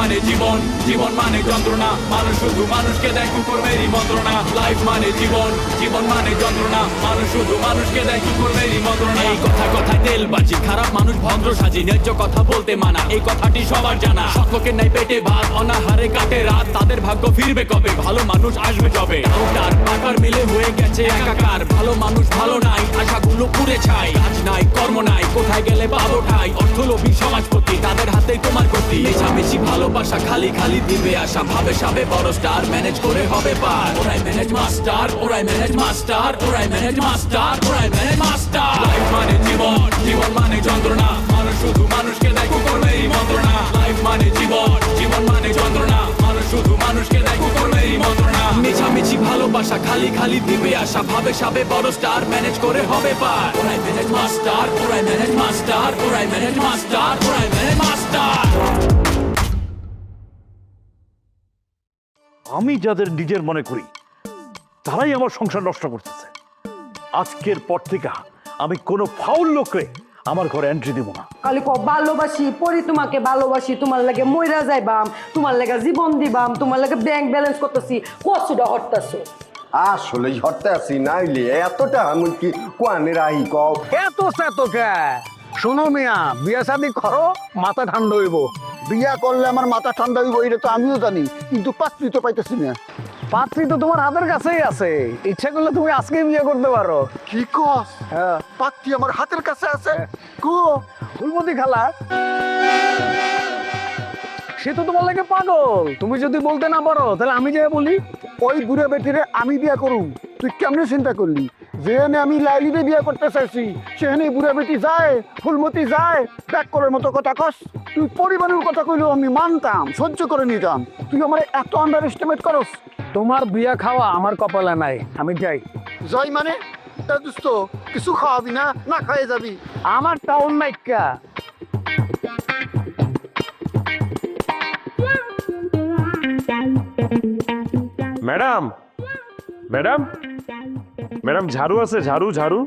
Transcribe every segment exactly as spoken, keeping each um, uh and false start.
মানে জীবন, জীবন মানে যন্ত্রণা, মানুষ শুধু মানুষকে দেয় কুকুরেরই মন্ত্রণা। লাইফ মানে জীবন, জীবন মানে যন্ত্রণা, মানুষ শুধু মানুষকে দেয় কুকুরেরই মন্ত্রণা। এই কথা কথায় তেলবাজি, খারাপ মানুষ ভদ্র সাজি, ন্যায্য কথা বলতে মানা, এই কথাটি সবার জানা। সকলের নাই পেটে ভাত, অনাহারে কাটে রাত, তাদের ভাগ্য ফিরবে কবে, ভালো মানুষ আসবে যবে। কাউটার পাকার মিলে হয়ে গেছে একাকার, ভালো মানুষ ভালো নাই, আশাগুলো পুড়ে ছাই। কাজ নাই কর্ম নাই, কোথায় গেলে পাবো ঠাই, অর্থলোভী সমাজপতি তাদের হাতেই তোমার গতি। মেশামেশি ভালোবাসা খালি খালি দিবে আশা, ভাবে সাবে বড় স্টার ম্যানেজ করে হবে পার। ওরাই ম্যানেজ মাস্টার, ওরাই ম্যানেজ মাস্টার, ওরাই ম্যানেজ মাস্টার, ওরাই ম্যানেজ মাস্টার। লাইফ মানে জীবন, জীবন মানে যন্ত্রণা, মানুষ শুধু মানুষকে দেয় কুকুরেরই মন্ত্রণা। লাইফ মানে জীবন, জীবন মানে যন্ত্রণা, মানুষ শুধু মানুষকে দেয় কুকুরেরই মন্ত্রণা। মেশামেশি ভালোবাসা খালি খালি দিবে আশা, ভাবে সাবে বড় স্টার ম্যানেজ করে হবে পার। ওরাই ম্যানেজ মাস্টার, ওরাই ম্যানেজ মাস্টার, ওরাই ম্যানেজ মাস্টার, ওরাই ম্যানেজ মাস্টার। আমি যাদের নিজের মনে করি তারাই আমার সংসার নষ্ট করতেছে। আজকের পর থেকে আমি কোনো ফাউল লোকরে আমার ঘরে এন্ট্রি দিব না। খালি ক ভালোবাসি পরি, তোমাকে ভালোবাসি, তোমার লাগে মইরা যাইবাম, তোমার লাগে জীবন দিবাম, তোমার লাগে ব্যাংক ব্যালেন্স করতেছি, কষ্টটা হরতাছো। আসলে হরতে আসি নাইলে এতটা আমি কি কোয়ানে রাহি কও। এত সেত কে শোনো মিয়া, বিয়া শাদি করো মাথা ঠান্ডা হইব। বিয়া করলে আমার মাথা ঠান্ডা হইব এটা তো আমিও জানি, কিন্তু পাত্রী তো পাইতেছি না। পাত্রী তো তোমার হাতের কাছেই আছে, ইচ্ছা করলে তুমি আজকে বিয়ে করতে পারো। কি কস? হ্যাঁ, পাত্রী আমার হাতের কাছে আছে? কো ফুলমতি খালা সে তো তোমার লাগে পাগল, তুমি যদি বলতে না পারো তাহলে আমি যে বলি। ওই বুড়া বেটিরে আমি বিয়া করুম, তুই কেমনে চিন্তা করলি? যেখানে আমি লাইলিরে বিয়া করতে চাইছি সেখানে বুড়া বেটি যায়, ফুলমতি যায়, ব্যাক করার মতো কথা কস? তুই পরিবারের কথা কইলেও আমি মানতাম, সহ্য করে নিতাম, তুই আমার এত আন্ডার এস্টিমেট করস। তোমার বিয়া খাওয়া আমার কপালে নাই, আমি যাই। জয় মানে তা দোস্ত কিছু খাওয়াবি না, না খাইয়ে যাবি? আমার টাউন নাইকা ম্যাডাম, ম্যাডাম, ম্যাডাম ঝাড়ু আছে? ঝাড়ু ঝাড়ু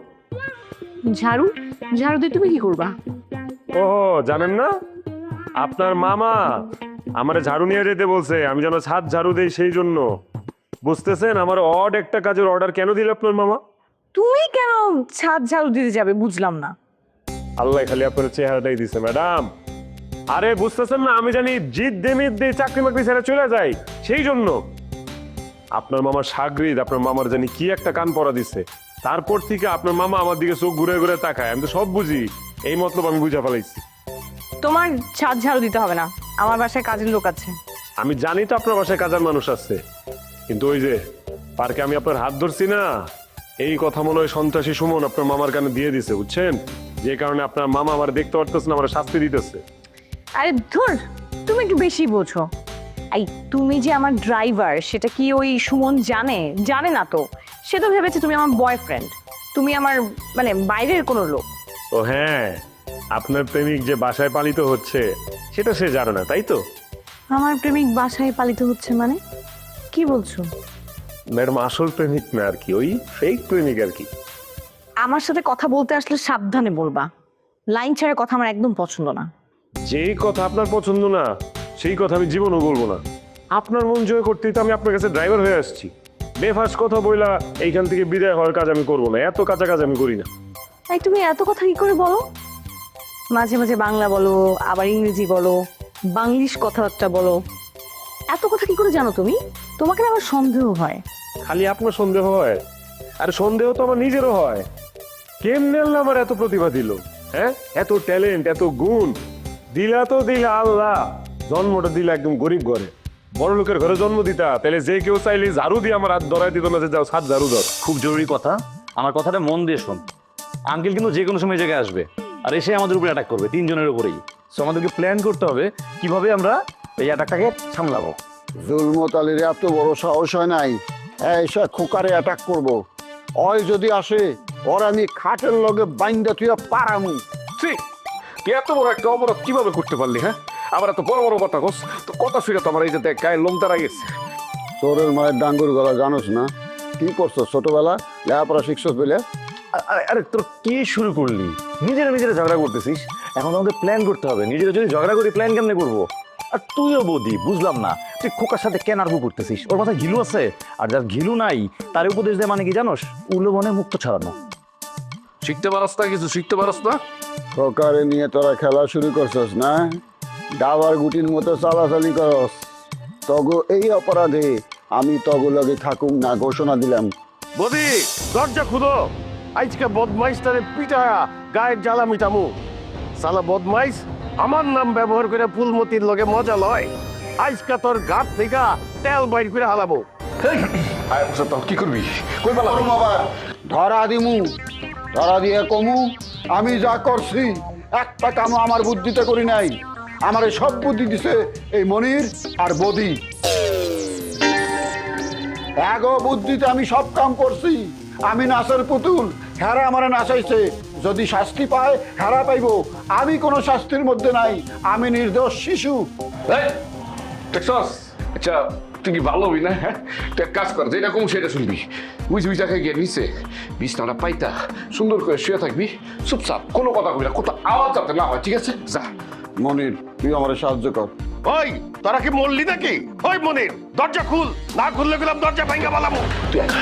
ঝাড়ু? ঝাড়ু দিয়ে তুমি কি করবা? ও জানেন না, আপনার মামা আমারে ঝাড়ু নিয়ে যেতে বলছে, আমি যেন ছাদ ঝাড়ু দেই, সেই জন্য। বুঝতেছেন আমার অড একটা কাজের অর্ডার কেন দিল আপনার মামা? তুমি কেন ছাদ ঝাড়ু দিতে যাবে বুঝলাম না। আল্লাহ খালি আপনার চেহারাটাই দিছে ম্যাডাম। আরে বুঝতেছেন না, আমি জানি জিদ দেমিদ দিয়ে চাকরি বাকরি ছেড়ে চলে যাই, সেই জন্য। আপনার মামার সাগরিদ আপনার মামার জানি কি একটা কান পড়া দিচ্ছে, তারপর থেকে আপনার মামা আমার দিকে চোখ ঘুরে ঘুরে তাকায়। আমি তো সব বুঝি, এই মতলব আমি বুঝা ফেলাইছি। তোমার ছাদ ঝাড়ু দিতে হবে না, আমার বাসায় কাজের লোক আছে। আমি জানি তো আপনার বাসায় কাজের মানুষ আছে, কিন্তু ওই যে পার্কে আমি আপনার হাত ধরছি না, এই কথা মনে হয় সন্ত্রাসী সুমন আপনার মামার কানে দিয়ে দিছে, বুঝছেন? যে কারণে আপনার মামা আমার দেখতে পারতেছে না, আমার শাস্তি দিতেছে। আরে ধুর, তুমি একটু বেশি বোঝো। এই তুমি যে আমার ড্রাইভার সেটা কি ওই সুমন জানে? জানে না তো, সে তো ভেবেছে তুমি আমার বয়ফ্রেন্ড, তুমি আমার মানে বাইরের কোনো লোক। ও হ্যাঁ, আপনার প্রেমিক যে বাসায় পালিত হচ্ছে সেটা সে জানে না, তাই তো? আমার প্রেমিক বাসায় পালিত হচ্ছে মানে কি বলছো? ম্যাডাম আসল প্রেমিক না আর কি, ওই ফেক প্রেমিক আর কি। আমার সাথে কথা বলতে আসলে সাবধানে বলবা, লাইন ছাড়া কথা আমার একদম পছন্দ না। যেই কথা আপনার পছন্দ না সেই কথা আমি জীবনও বলবো না। আপনার মন জয় করতেই তো আমি আপনার কাছে ড্রাইভার হয়ে আসছি। বেফাস কথা বইলা এইখান থেকে বিদায় হওয়ার কাজ আমি করবো না, এত কাঁচা কাজ আমি করি না। তাই তুমি এত কথা কি করে বলো? মাঝে মাঝে বাংলা বলো, আবার ইংরেজি বলো, বাংলিশ কথাবার্তা বলো, এত কথা কি করে জানো তুমি? তোমাকে না আমার সন্দেহ হয়। খালি আপনার সন্দেহ হয়? আর সন্দেহ তো আমার নিজেরও হয়। কেমনে আল্লাহ আমার এত প্রতিভা দিল, হ্যাঁ? এত ট্যালেন্ট, এত গুণ দিলা তো দিলা আল্লাহ। জন্মটা দিলা একদম গরিব ঘরে, বড় লোকের ঘরে জন্ম দিতা, তাহলে যে কেউ চাইলে ঝাড়ু দিয়ে আমার হাত ধরাই দিত না যে যাও সাত ঝাড়ু ধর। খুব জরুরি কথা, আমার কথাটা মন দিয়ে শোন। আঙ্কেল কিন্তু যে কোনো সময় এই জায়গায় আসবে, আর এসে আমাদের উপরে অ্যাটাক করবে, তিনজনের উপরেই। সো আমাদেরকে প্ল্যান করতে হবে কিভাবে আমরা এই অ্যাটাকটাকে সামলাবো। জুলমত আলীর এত বড় সাহস হয় নাই, এইসব খোকারে অ্যাটাক করব। ওই যদি আসে ওর আমি খাটের লগে বাইন্দা তুই পারামু। ঠিক, তুই এত বড় একটা অপরাধ কিভাবে করতে পারলি? হ্যাঁ, আবার এত বড় বড় কথা কস, তো কথা শুনে তো আমার এই যে দেখ গায়ে লোম দাঁড়া গেছে। তোরের মায়ের ডাঙ্গুর গলা জানোস না? কি করছো ছোটবেলা, লেখাপড়া শিখছস বলে? আরে আরে তোর কি শুরু করলি? নিজেরা নিজেরা ঝগড়া করতেছিস, এখন আমাদের প্ল্যান করতে হবে। নিজেরা যদি ঝগড়া করি প্ল্যান কেমনে করবো? আর তুইও বৌদি বুঝলাম না তুই খোকার সাথে কেন আরবু করতেছিস? ওর মাথায় ঘিলু আছে? আর যার ঘিলু নাই তার উপদেশ দেয় মানে কি জানোস? উলো মনে মুক্ত ছাড়ানো। শিখতে পারস না কিছু, শিখতে পারস না। খোকারে নিয়ে তোরা খেলা শুরু করছস না? ডাবার গুটির মতো চালাচালি করস। তগো এই অপরাধে আমি তগো লগে থাকুম না ঘোষণা দিলাম। বদি দরজা খুলো, আজকে বদমাইশটারে পিটায়া গায়ের জ্বালা মিটামু। সালা বদমাইশ আমার নাম ব্যবহার করে ফুলমতির লগে মজা লয়। আজকে তোর গাত থেকে তেল বাইর করে হালাবো। আয় বসে তো কি করবি, কই পালা? ধরা দিমু, ধরা দিয়ে কমু আমি যা করছি একটা কামও আমার বুদ্ধিতে করি নাই। আমার সব বুদ্ধি দিছে এই মনির আর বদি। এগো বুদ্ধিতে আমি সব কাম করছি। আমি নাচের পুতুল, হেরা আমার নাচাইছে। যদি শাস্তি পায় হেরা পাইব, আমি কোনো শাস্তির মধ্যে নাই। আমি নির্দোষ শিশু। দেখছস? আচ্ছা তুই কি ভালো হবি না? হ্যাঁ তুই এক কাজ কর, যেটা কম সেটা শুনবি। বুঝ বুঝা খাই গিয়ে নিচে বিছনাটা পাইতা সুন্দর করে শুয়ে থাকবি, চুপচাপ, কোনো কথা কবি না, কোথাও আওয়াজ যাতে না হয়, ঠিক আছে? যা। মনির তুই আমার সাহায্য কর। ওই তোরা কি মরলি নাকি? ওই মনির দরজা খুল, না খুললে গেলাম দরজা ভাঙ্গা বালামু। তুই এক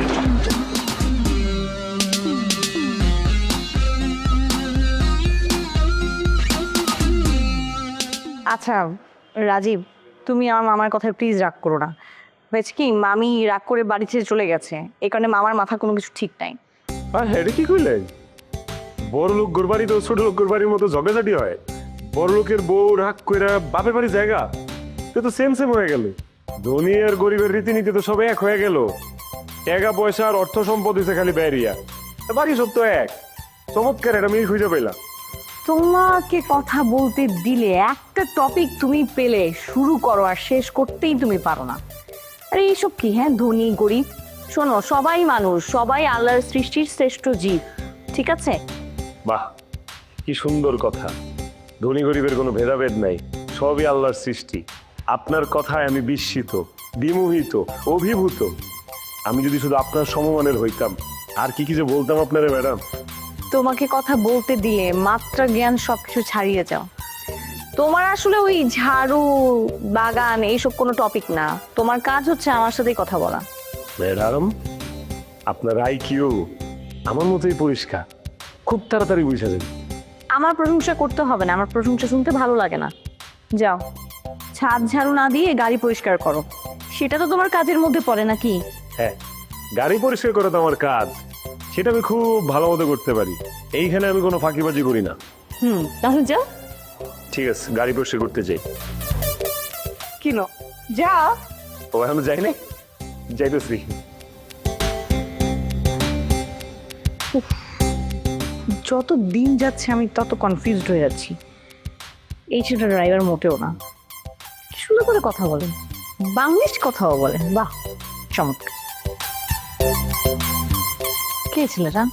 আচ্ছা রাজীব, তুমি আমার মামার কথায় প্লিজ রাগ করো না। হয়েছে কি, মামি রাগ করে বাড়ি ছেড়ে চলে গেছে, এই কারণে মামার মাথা কোনো কিছু ঠিক নাই। আর হ্যাঁ কি কইলেন? বড় লোক গোরবাড়ি তো ছোট লোক গোরবাড়ির মতো ঝগড়াঝাটি হয়। বড় লোকের বউ রাগ কইরা বাপের বাড়ি জায়গা, সে তো সেম সেম হয়ে গেল। ধনী আর গরিবের রীতিনীতি তো সব এক হয়ে গেল। টাকা পয়সা আর অর্থ সম্পদ হয়েছে খালি ব্যারিয়া, বাকি সব তো এক। চমৎকার এটা আমি খুঁজে পেলাম। তোমাকে কথা বলতে দিলে একটা টপিক তুমি পেলে শুরু করো আর শেষ করতেই তুমি পারো না। আরে এইসব কি? হ্যাঁ, ধনী গরিব, শোনো সবাই মানুষ, সবাই আল্লাহর সৃষ্টির শ্রেষ্ঠ জীব, ঠিক আছে? বাহ কি সুন্দর কথা। ধনী গরিবের কোনো ভেদাভেদ নাই, সবই আল্লাহর সৃষ্টি। আপনার কথায় আমি বিস্মিত, বিমোহিত, অভিভূত। আমি যদি শুধু আপনার সমমানের হইতাম আর কি কি যে বলতাম আপনারে ম্যাডাম। তোমাকে কথা বলতে দিলে মাত্রা জ্ঞান সবকিছু ছাড়িয়ে যাও। তোমার আসলে ওই ঝাড়ু বাগান এইসব কোনো টপিক না, তোমার কাজ হচ্ছে আমার সাথেই কথা বলা। ম্যাডাম আপনার আইকিউ আমার মতোই পরিষ্কার, খুব তাড়াতাড়ি বুঝা যাবে। আমার প্রশংসা করতে হবে না, আমার প্রশংসা শুনতে ভালো লাগে না। যাও, ছাদ ঝাড়ু না দিয়ে গাড়ি পরিষ্কার করো, সেটা তো তোমার কাজের মধ্যে পড়ে নাকি? হ্যাঁ, গাড়ি পরিষ্কার করা তো আমার কাজ, সেটা আমি খুব ভালো মতো করতে পারি। এইখানে আমি কোনো ফাঁকিবাজি করি না। হুম, তাহলে যাও। ঠিক আছে, গাড়ি পরিষ্কার করতে যাই। কিনো যাও। ও এখন যাই নাই, যাইতেছি। যত দিন যাচ্ছে আমি তত কনফিউজড হয়ে যাচ্ছি। এই ছেলেটা ড্রাইভার মোটেও না, কি সুন্দর করে কথা বলেন, বাংলিশ কথাও বলেন, বাহ চমৎকার। কে ছেলেটা?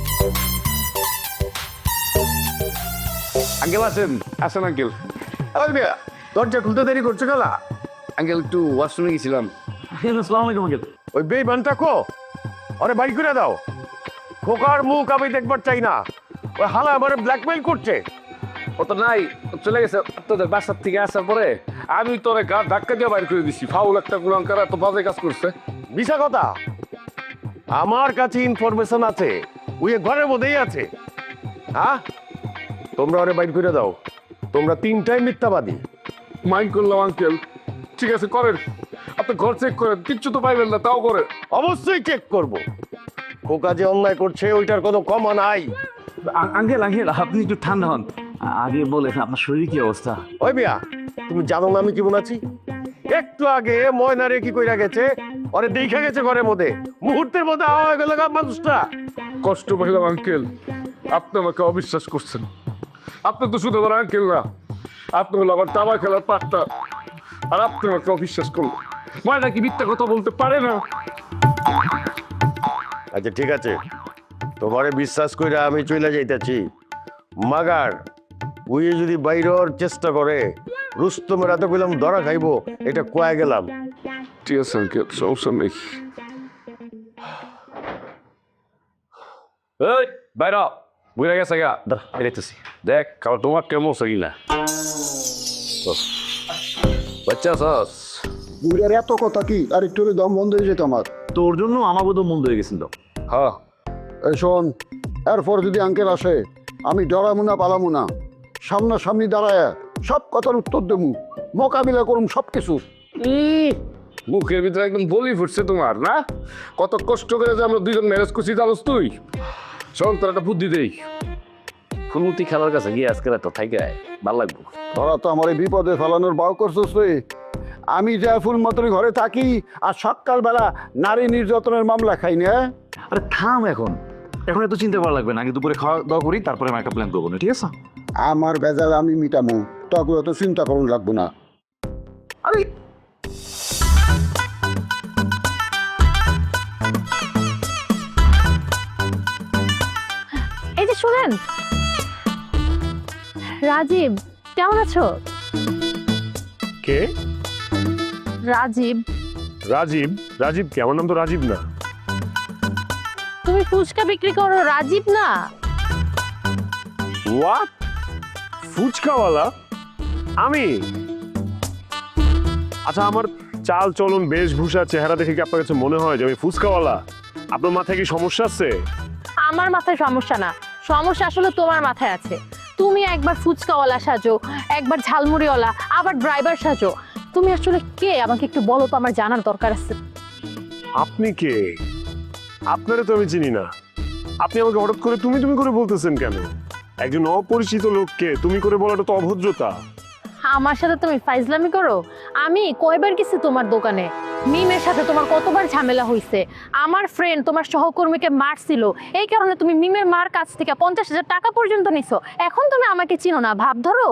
আঙ্কেল আছেন? আসেন আঙ্কেল। ওই মিয়া দরজা খুলতে দেরি করছো গেলা? আঙ্কেল একটু ওয়াশরুমে গেছিলাম। আসসালামু আলাইকুম আঙ্কেল। ওই বেইমানটা কো, আরে বাড়ি করে দাও। খোকার মুখ আমি দেখবার চাই না। ওই হালা আমার ব্ল্যাকমেইল করছে। ও তো নাই, ও চলে গেছে তোদের বাসার থেকে আসার পরে। আমি তোরে গা ধাক্কা দিয়ে বাইর করে দিছি। ফাউল একটা গুলাঙ্কার এত বাজে কাজ করছে। মিশা কথা, আমার কাছে ইনফরমেশন আছে, ওই ঘরের মধ্যেই আছে। হ্যাঁ, তোমরা ওরে বাইর করে দাও। তোমরা তিনটাই মিথ্যাবাদী। মাইন্ড করলাম আঙ্কেল, ঠিক আছে করেন। আপনি ঘর চেক করেন, কিচ্ছু তো পাইবেন না, তাও করেন। অবশ্যই চেক করব। খোকা যে অন্যায় করছে ওইটার কোনো কমা নাই। আঙ্কেল আঙ্কেল আপনি একটু ঠান্ডা হন, আগে বলেন আপনার শরীর কি অবস্থা? ওই মিয়া, তুমি জানো না আমি কেমন আছি? একটু আগে ময়নারে কি কইরা গেছে, ওরে দেখা গেছে ঘরের মধ্যে, মুহূর্তের মধ্যে আওয়া হয়ে গেল গা মানুষটা। কষ্ট পাইলাম আঙ্কেল, আপনি আমাকে অবিশ্বাস করছেন। আপনি তো শুধু আমার আঙ্কেল না, আপনি হলো আমার দাবা খেলার পাটটা, আর আপনি আমাকে অবিশ্বাস করলেন। ময়না কি মিথ্যা কথা বলতে পারে না? আচ্ছা ঠিক আছে, তোমারে বিশ্বাস কইরা আমি চলে যাইতেছি। মাগার উই যদি বাইরের চেষ্টা করে, রুস্তমের এত কইলাম ধরা খাইবো, এটা কয়ে গেলাম। ঠিক আছে আঙ্কেল, সমস্যা নেই। এই বাইরা বুঝে গেছে গা, দাঁড়া বেরাইতেছি। দেখ খাবার তোমার কেমন হচ্ছে কিনা। বাচ্চা সস বুড়ার এত কথা কি আর একটু হলে দম বন্ধ হয়ে যেত আমার। তোর জন্য আমাকে তো মন্দ হয়ে গেছিল। হ্যাঁ এই শোন, এরপর যদি আঙ্কেল আসে আমি ডরামু না পালামু না, সামনাসামনি দাঁড়ায় সব কথার উত্তর দেবো, মোকাবিলা করুম সব কিছু। উম, মুখের ভিতরে একদম বলি ফুটছে তোমার না? কত কষ্ট করে যে আমরা দুইজন ম্যারেজ করছি জানোস তুই? শোন তোর একটা বুদ্ধি দেই। ফুলমতি খেলার কাছে গিয়ে আজকে রাত থাইকে ভালো লাগবো। তোরা তো আমার এই বিপদে ফেলানোর বাউ করছিস রে। আমি যা ফুল মতন ঘরে থাকি আর সকালবেলা নারী নির্যাতনের মামলা খাই না। আরে থাম এখন, এখন এত চিন্তা করা লাগবে না। আগে দুপুরে খাওয়া দাওয়া করি, তারপরে আমি একটা প্ল্যান করবো না, ঠিক আছে? আমার বেজাল আমি মিটামু, তখন তো চিন্তা করুন লাগবো না। আরে এই যে শুনেন, রাজীব কেমন আছো? কে? রাজীব, রাজীব? রাজীব কে? আমার নাম তো রাজীব না। তুমি ফুচকা বিক্রি করো, রাজীব না? হোয়াট? ফুচকাওয়ালা? আমি? আচ্ছা, আমার চাল চলন বেশভূষা চেহারা দেখে কি আপনার কাছে মনে হয় যে আমি ফুচকাওয়ালা? আপনার মাথায় কি সমস্যা আছে? আমার মাথায় সমস্যা না, সমস্যা আসলে তোমার মাথায় আছে। তুমি একবার ফুচকাওয়ালা সাজো, একবার ঝালমুড়িওয়ালা, আবার ড্রাইভার সাজো। তুমি আসলে কে আমাকে একটু বলো তো, আমার জানার দরকার আছে। আপনি কে? আপনারে তো আমি চিনি না। আপনি আমাকে হঠাৎ করে তুমি তুমি করে বলতেছেন কেন? একজন অপরিচিত লোককে তুমি করে বলাটা তো অভদ্রতা। আমার সাথে তুমি ফাইজলামি করো? আমি কয়বার গেছি তোমার দোকানে, মিমের সাথে তোমার কতবার ঝামেলা হয়েছে। আমার ফ্রেন্ড তোমার সহকর্মীকে মারছিল, এই কারণে তুমি মিমের মার কাছ থেকে পঞ্চাশ হাজার টাকা পর্যন্ত নিছো। এখন তুমি আমাকে চিনো না, ভাব ধরো।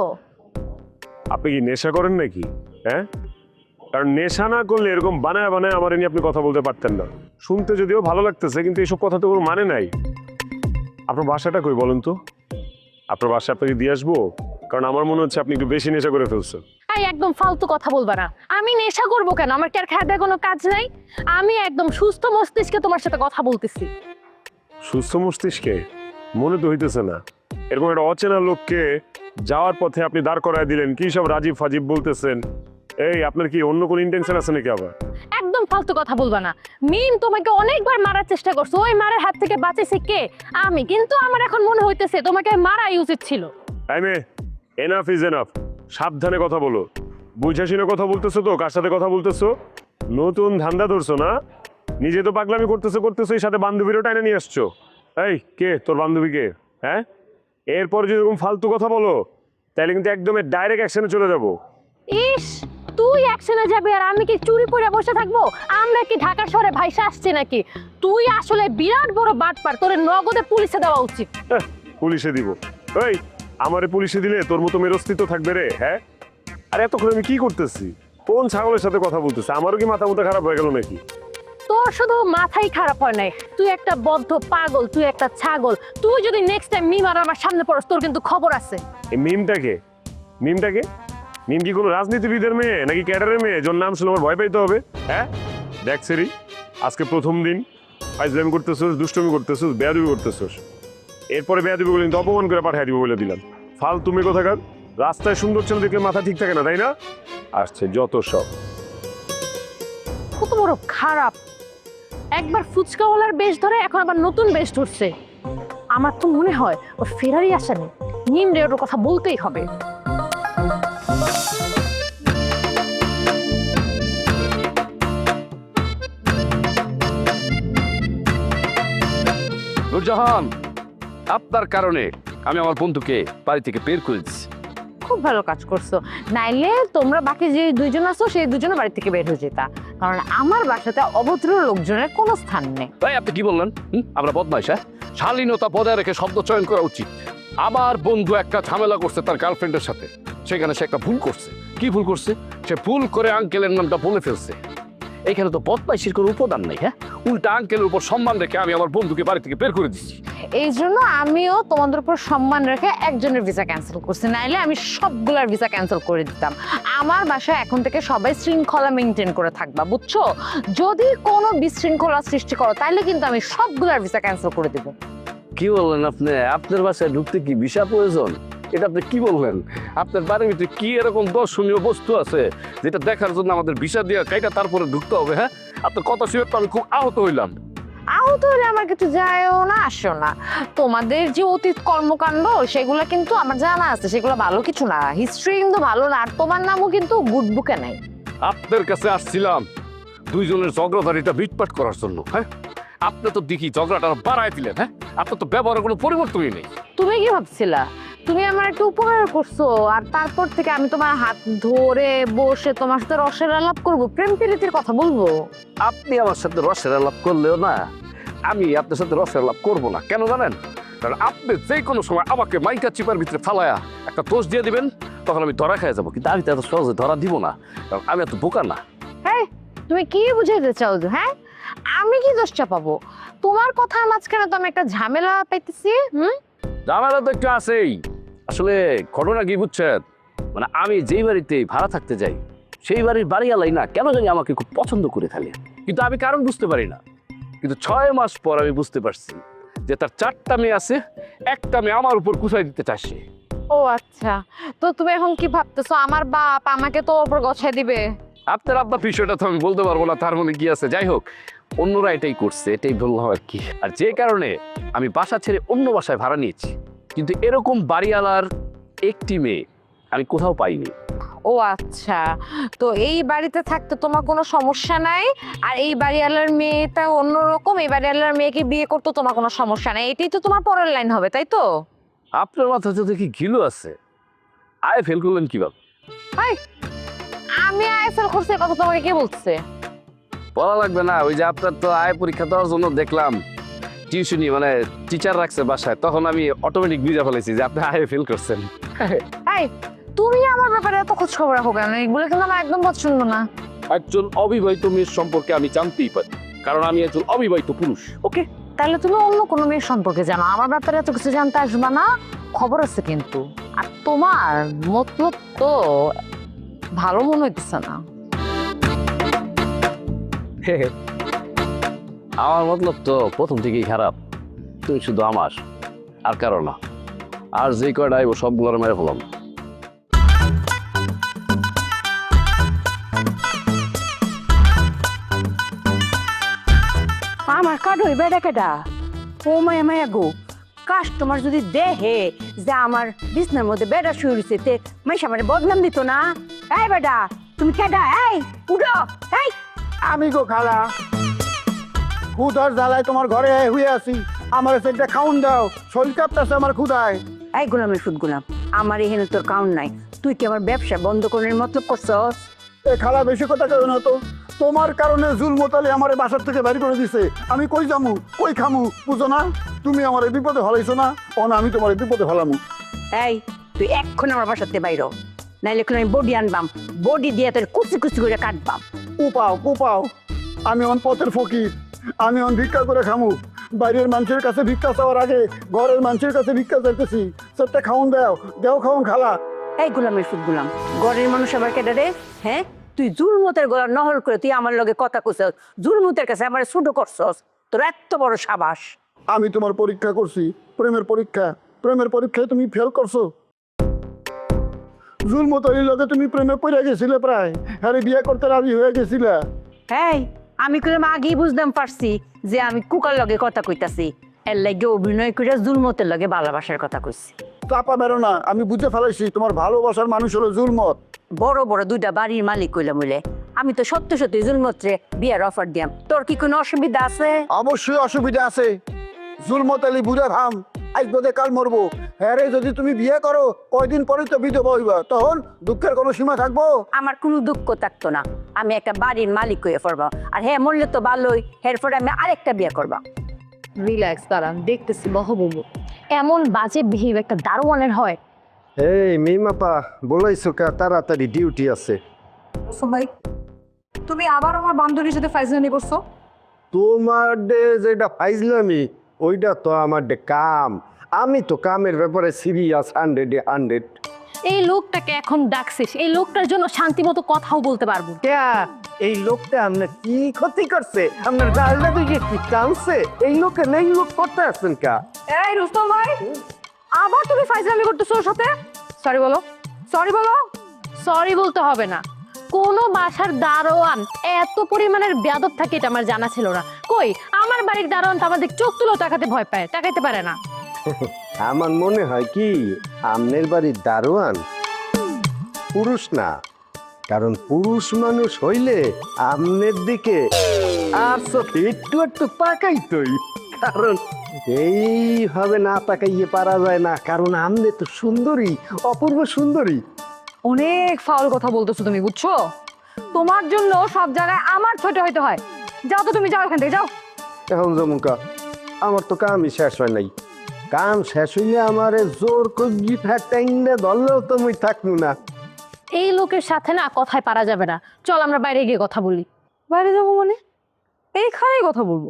আপনি কি নেশা করেন নাকি? হ্যাঁ, কারণ নেশা না করলে এরকম বানায় বানায় আমার নিয়ে আপনি কথা বলতে পারতেন না। শুনতে যদিও ভালো লাগতেছে, কিন্তু এইসব কথা তো কোনো মানে নাই। আপনার বাসাটা কই বলেন তো? আপনার বাসা আপনাকে দিয়ে আসবো, কারণ আমার মনে হচ্ছে আপনি একটু বেশি নেশা করে ফেলছেন। এই একদম ফালতু কথা বলবা না। আমি নেশা করবো কেন? আমার কি আর খাওয়া দাওয়া কোনো কাজ নাই? আমি একদম সুস্থ মস্তিষ্কে তোমার সাথে কথা বলতেছি। সুস্থ মস্তিষ্কে? মনে তো হইতেছে না। এরকম একটা অচেনা লোককে যাওয়ার পথে আপনি দাঁড় করায় দিলেন, কি সব রাজীব ফাজিব বলতেছেন। এই আপনার কি অন্য কোনো ইন্টেনশন আছে নাকি আবার? একদম ফালতু কথা বলবা না। মিম তোমাকে অনেকবার মারার চেষ্টা করছে, ওই মারার হাত থেকে বাঁচাইছে কে? আমি। কিন্তু আমার এখন মনে হইতেছে তোমাকে মারাই উচিত ছিল। টাইমে এনাফ ইজ এনাফ। সাবধানে কথা বলো, বুঝা শুনে কথা বলতেছো তো? কার সাথে কথা বলতেছো? নতুন ধান্দা ধরছো না? নিজে তো পাগলামি করতেছো করতেছো, এই সাথে বান্ধবীরও টাইনে নিয়ে আসছো। এই কে তোর বান্ধবী কে? হ্যাঁ, এরপর যদি এরকম ফালতু কথা বলো তাহলে কিন্তু একদম ডাইরেক্ট অ্যাকশনে চলে যাবো। ইস, তুই অ্যাকশনে যাবি আর আমি কি চুরি পরে বসে থাকবো? আমরা কি ঢাকা শহরে ভাইসা আসছে নাকি? তুই আসলে বিরাট বড় বাটপার, তোর নগদে পুলিশে দেওয়া উচিত। হ্যাঁ, পুলিশে দিব? ওই আমারে পুলিশে দিলে তোর মতো মেয়ের অস্তিত্ব থাকবে রে? হ্যাঁ, আর এতক্ষণ আমি কি করতেছি? কোন ছাগলের সাথে কথা বলতেছি? আমারও কি মাথা মুথা খারাপ হয়ে গেল নাকি? তোর শুধু মাথাই খারাপ হয় নাই, তুই একটা বদ্ধ পাগল, তুই একটা ছাগল। তুই যদি নেক্সট টাইম মিম আর আমার সামনে পড়স, তোর কিন্তু খবর আছে। এই মিমটাকে মিমটাকে মিম কি কোনো রাজনীতিবিদের মেয়ে নাকি ক্যাডারের মেয়ে যার নাম শুনে আমার ভয় পাইতে হবে? হ্যাঁ দেখ সেরি, আজকে প্রথম দিন ফাইজলামি করতেছোস, দুষ্টমি করতেছোস, বেয়াদবি করতেছোস। এরপরে বেয়াদবি বলে কিন্তু অপমান করে পাঠিয়ে দিব বলে দিলাম। ফাল তুমি কোথাকার? রাস্তায় সুন্দর ছেলে দেখলে মাথা ঠিক থাকে না, তাই না? আসছে যত সব। কত বড় খারাপ! একবার ফুচকাওয়ালার বেশ ধরে, এখন আবার নতুন বেশ ধরছে। আমার তো মনে হয় ও ফেরারই আসেনি, নিম রে ওর কথা বলতেই হবে। নূরজাহান, আপনার কারণে আমি আমার বন্ধুকে বাড়ি থেকে বের করে দিচ্ছি। খুব ভালো কাজ করছো, নাইলে তোমরা বাকি যে দুইজন আছো সেই দুজনে বাড়ি থেকে বের হয়ে যেতা, কারণ আমার বাসাতে অভদ্র লোকজনের কোনো স্থান নেই। ভাই আপনি কি বললেন? হুম, আমরা বদমাইশ? হ্যাঁ, শালীনতা বজায় রেখে শব্দ চয়ন করা উচিত। আমার বন্ধু একটা ঝামেলা করছে তার গার্লফ্রেন্ডের সাথে, সেখানে সে একটা ভুল করছে। কি ভুল করছে? সে ভুল করে আঙ্কেলের নামটা বলে ফেলছে। এখানে তো বদমাইশির কোনো উপাদান নেই। হ্যাঁ, উল্টা আঙ্কেলের উপর সম্মান রেখে আমি আমার বন্ধুকে বাড়ি থেকে বের করে দিচ্ছি। এই জন্য আমিও তোমাদের উপর সম্মান রেখে একজনের ভিসা ক্যান্সেল করছি, নাইলে আমি সবগুলার ভিসা ক্যান্সেল করে দিতাম। আমার বাসায় এখন থেকে সবাই শৃঙ্খলা মেনটেন করে থাকবা, বুঝছো? যদি কোনো বিশৃঙ্খলা সৃষ্টি করো তাহলে কিন্তু আমি সবগুলার ভিসা ক্যান্সেল করে দেবো। কি বললেন আপনি? আপনার বাসায় ঢুকতে কি ভিসা প্রয়োজন? এটা আপনি কি বললেন? আপনার বাড়ির ভিতরে কি এরকম দর্শনীয় বস্তু আছে যেটা দেখার জন্য আমাদের ভিসা দিয়ে কাইটা তারপরে ঢুকতে হবে? হ্যাঁ, আপনার কথা শুনে তো আমি খুব আহত হইলাম। আহত হলে আমার কিছু যায়ও না আসো না। তোমাদের যে অতীত কর্মকাণ্ড সেগুলো কিন্তু আমার জানা আছে, সেগুলো ভালো কিছু না, হিস্ট্রি কিন্তু ভালো না, আর তোমার নামও কিন্তু গুড বুকে নাই। আপনার কাছে আসছিলাম দুইজনের ঝগড়াদারিটা বিটপাট করার জন্য। হ্যাঁ, আপনি তো দেখি ঝগড়াটা বাড়ায় দিলেন। হ্যাঁ, আপনার তো ব্যবহারের কোনো পরিবর্তনই নেই। তুমি কি ভাবছিলা তুমি আমার একটা উপকার করছো আর তারপর থেকে আমি তোমার হাত ধরে বসে তোমার সাথে রসের আলাপ করবো, প্রেম প্রীতির কথা বলবো? আপনি আমার সাথে রসের আলাপ করলেও না, আমি আপনার সাথে রসের আলাপ করবো না। কেন জানেন? কারণ আপনি যে কোনো সময় আমাকে মাইকা চিপার ভিতরে ফালায়া একটা দোষ দিয়ে দিবেন, তখন আমি ধরা খেয়ে যাবো। কিন্তু আমি তো এত সহজে ধরা দিব না, কারণ আমি এত বোকা না। হ্যাঁ, তুমি কি বুঝাইতে চাও? হ্যাঁ, আমি কি দোষটা পাবো? তোমার কথার মাঝখানে তো আমি একটা ঝামেলা পাইতেছি। হুম, ঝামেলা তো একটু আছেই। আসলে ঘটনা কি বুঝছেন, মানে আমি যেই বাড়িতে ভাড়া থাকতে যাই সেই বাড়ির বাড়িওয়ালাই না কেন জানি আমাকে খুব পছন্দ করে ফেলে, কিন্তু আমি কারণ বুঝতে পারি না। কিন্তু ছয় মাস পর আমি বুঝতে পারছি যে তার চারটা মেয়ে আছে, একটা মেয়ে আমার উপর কুচাই দিতে চাইছে। ও আচ্ছা, তো তুমি এখন কি ভাবতেছো আমার বাপ আমাকে তো ওপর গছাই দিবে? আপনার আব্বা বিষয়টা তো আমি বলতে পারবো না, তার মনে কি আছে। যাই হোক, অন্যরা এটাই করছে, এটাই বললাম আর কি। আর যে কারণে আমি বাসা ছেড়ে অন্য বাসায় ভাড়া নিয়েছি, কিন্তু এরকম বাড়িওয়ালার একটি মেয়ে আমি কোথাও পাইনি। ও আচ্ছা, তো এই বাড়িতে থাকতে তোমার কোনো সমস্যা নাই, আর এই বাড়িওয়ালার মেয়েটা অন্যরকম, এই বাড়িওয়ালার মেয়েকে বিয়ে করতে তোমার কোনো সমস্যা নাই, এটাই তো তোমার পরের লাইন হবে, তাই তো? আপনার মাথায় তো দেখি ঘিলু আছে, আয় ফেল করলেন কিভাবে? হাই, আমি আইএসএল করছি কথা তোমাকে কে বলছে? বলা লাগবে না, ওই যে আপনার তো আয় পরীক্ষা দেওয়ার জন্য দেখলাম টিউশনি মানে টিচার রাখছে বাসায়, তখন আমি অটোমেটিক বুঝে ফেলেছি যে আপনি আয় ফেল করছেন। এই, তুমি আমার ব্যাপারে এত খোঁজ খবর রাখো কেন? এগুলো কিন্তু আমার একদম পছন্দ না। একজন অবিবাহিত মেয়ের সম্পর্কে আমি জানতেই পারি, কারণ আমি একজন অবিবাহিত পুরুষ। ওকে, তাহলে তুমি অন্য কোনো মেয়ের সম্পর্কে জানো, আমার ব্যাপারে এত কিছু জানতে আসবা না। খবর আছে কিন্তু, আর তোমার মতলব তো ভালো মনে হইতেছে না। আমার মতলব তো প্রথম থেকেই খারাপ। তুই শুধু আমার, আর কারো না। আর যে কয়টা আইব সবগুলো মেরে ফেলাম। আমার কার্ড ওই বেড়া কেডা? ও মায়া মায়া গো, কাস্টমার যদি দেখে যে আমার বিছনার মধ্যে বেড়া শুয়ে রয়েছে, তে মাইশা মানে বদনাম দিত না? এই বেডা, তুমি কেডা? এই উঠো। এই আমি গো খালা, খুদার জ্বালায় তোমার ঘরে হয়ে আছি, আমার সেটা খাউন দাও, শরীর কাঁপতেছে আমার ক্ষুদায়। এই গোলামের সুদ গোলাম, আমার এখানে তোর কাউন্ট নাই। তুই কি আমার ব্যবসা বন্ধ করার মতলব করছস? এ খালা বেশি কথা কেন না তো, তোমার কারণে জুলমতালি আমার বাসার থেকে বাড়ি করে দিছে। আমি কই যামু, কই খামু, বুঝো না? তুমি আমার বিপদে হলাইছো না, ও না আমি তোমার বিপদে হলামু। এই তুই এক্ষুনি আমার বাসাতে বাইরো, নাইলে এখন আমি বডি আনবাম, বডি দিয়ে তোর কুচি কুচি করে কাটবাম। কুপাও কুপাও, আমি অন পথের ফকির, আমি অন ভিক্ষা করে খামু। বাইরের মানুষের কাছে ভিক্ষা চাওয়ার আগে ঘরের মানুষের কাছে ভিক্ষা চাইতেছি। সেটা খাউন দাও, দেও খাউন খালা। এই গোলামের সুদ গোলাম, ঘরের মানুষ আবার কেডা রে? হ্যাঁ, তুই জুলমতের গলা নহল করে তুই আমার লগে কথা কইছস, জুলমতের কাছে আমার ছোট করছস, তোর এত বড় সাবাস। আমি তোমার পরীক্ষা করছি, প্রেমের পরীক্ষা, প্রেমের পরীক্ষায় তুমি ফেল করছো। জুলমতালির লগে তুমি প্রেমে পড়ে গেছিলে, প্রায় হ্যাঁ বিয়ে করতে রাজি হয়ে গেছিলে। এই আমি কইলাম আগেই বুঝতাম পারছি যে আমি কুকার লগে কথা কইতাছি, এর লাগে অভিনয় করে জুলমতের লগে ভালোবাসার কথা কইছি। চাপা বেরো না, আমি বুঝতে ফেলাইছি তোমার ভালোবাসার মানুষ হলো জুলমত। বড় বড় দুইটা বাড়ির মালিক কইলাম বলে আমি তো সত্য সত্যি জুলমতরে বিয়ের অফার দিয়াম। তোর কি কোনো অসুবিধা আছে? অবশ্যই অসুবিধা আছে। জুলমত আলী বুড়া ভাম, আজ বোধে কাল মরবো। হ্যাঁ রে, যদি তুমি বিয়ে করো কয়দিন পরে তো বিধবা হইবা, তখন দুঃখের কোনো সীমা থাকবো? আমার কোনো দুঃখ থাকতো না, আমি একটা বাড়ির মালিক হয়ে পড়বা, আর হ্যাঁ মরলে তো ভালোই, এরপরে আমি আরেকটা বিয়ে করবা। রিল্যাক্স, দাঁড়ান দেখতেছি মহবুব। এমন বাজে বিহেভ একটা দারোয়ানের হয়? এই মিমাপা বলাইছো কা, তাড়াতাড়ি ডিউটি আছে। ভাই, তুমি আবার আমার বান্ধবীর সাথে ফাইজলামি করছো? তোমার ডে যেটা ফাইজলামি, ওইটা তো আমার ডে কাম। আমি তো কামের ব্যাপারে সিরিয়াস, হান্ড্রেডে হান্ড্রেড। এই লোকটাকে এখন ডাকছিস, এই লোকটার জন্য শান্তি মতো কথাও বলতে পারবো? এই লোকটা আপনার কি ক্ষতি করছে? আপনার গালটা তুই কি টানছে? এই লোকে নেই লোক করতে আসছেন কা? এই রুস্তম ভাই, আবার তুমি ফাইজলামি করতেছো ওর সাথে? সরি বলো, সরি বলো। সরি বলতে হবে না। কোন বাসার দারোয়ান এত পরিমাণের বেয়াদব থাকে এটা আমার জানা ছিল না। কই আমার বাড়ির দারোয়ান তো আমাদের চোখ তুলো তাকাতে ভয় পায়, তাকাইতে পারে না। আমার মনে হয় কি আমনের বাড়ির দারোয়ান পুরুষ না, কারণ পুরুষ মানুষ হইলে আমনের দিকে আর চোখে একটু একটু তাকাইতই, কারণ এইভাবে না তাকাইয়ে পারা যায় না, কারণ আমনে তো সুন্দরী, অপূর্ব সুন্দরী। অনেক ফাউল কথা বলতেছো তুমি, বুঝছো? তোমার জন্য সব জায়গায় আমার ছোট হইতে হয়। যাও তো তুমি, যাও এখান থেকে, যাও। এখন যেমন কা আমার তো কামই শেষ হয় নাই, কাম শেষ হইলে আমারে জোর করি ফ্যাটাইনে ধরলেও তো মুই থাকবো না। এই লোকের সাথে না কথায় পারা যাবে না। চল আমরা বাইরে গিয়ে কথা বলি। বাইরে যাবো মানে? এইখানেই কথা বলবো।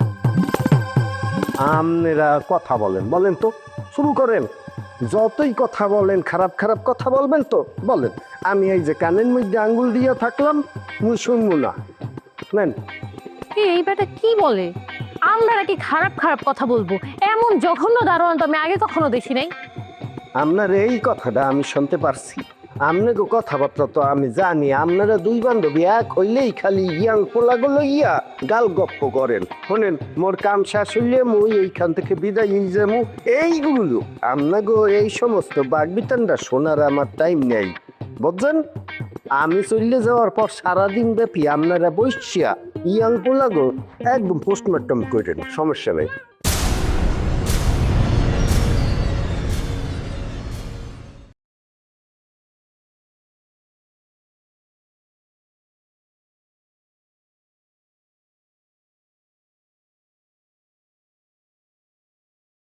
আপনারা কথা বলেন, বলেন তো, শুরু করেন। যতই কথা বলেন, খারাপ খারাপ কথা বলবেন তো বলেন, আমি এই যে কানের মধ্যে আঙ্গুল দিয়ে থাকলাম, মুই শুনবো না। নেন। এই এই ব্যাটা কি বলে? আমরা নাকি খারাপ খারাপ কথা বলবো? এমন জঘন্য দারোয়ান তো আমি আগে কখনো দেখি নাই। আপনার এই কথাটা আমি শুনতে পারছি, আপনাকে কথাবার্তা তো আমি জানি। আপনারা দুই বান্ধবী এক হইলেই খালি ইয়াং পোলাগুলো ইয়া গাল গপ্প করেন। শোনেন, মোর কাম শেষ হইলে মুই এইখান থেকে বিদায় নিয়ে যাবো। এইগুলো আপনাকে এই সমস্ত বাগবিতানটা শোনার আমার টাইম নেই, বুঝছেন? আমি চলে যাওয়ার পর সারাদিন ব্যাপী আপনারা বসছিয়া ইয়াং পোলাগো একদম পোস্টমর্টম করেন, সমস্যা নেই।